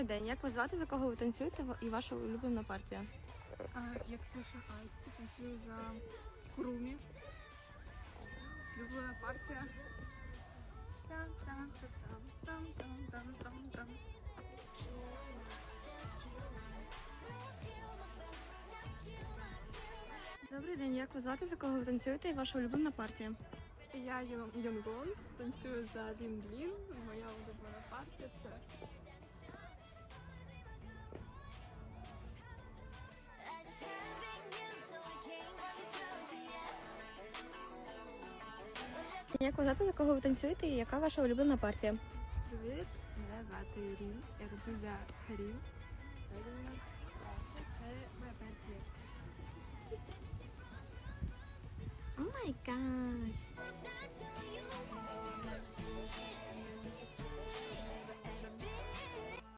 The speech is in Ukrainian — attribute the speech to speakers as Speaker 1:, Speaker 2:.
Speaker 1: День. Як вас звати, за кого ви танцюєте і ваша улюблена партія?
Speaker 2: Я Ксюша Айсті, танцюю за Курумі. Улюблена партія. Там.
Speaker 1: Добрий день. Як вас звати, за кого ви танцюєте і ваша улюблена партія?
Speaker 2: Я Йонгбон, танцюю за Лін-Лін. Моя улюблена партія це
Speaker 1: Як вас звати, за кого ви танцюєте і яка ваша улюблена партія?
Speaker 2: Привіт, мене звати Рін. Я танцюю за Харім. Це моя партія.
Speaker 1: О май гаш!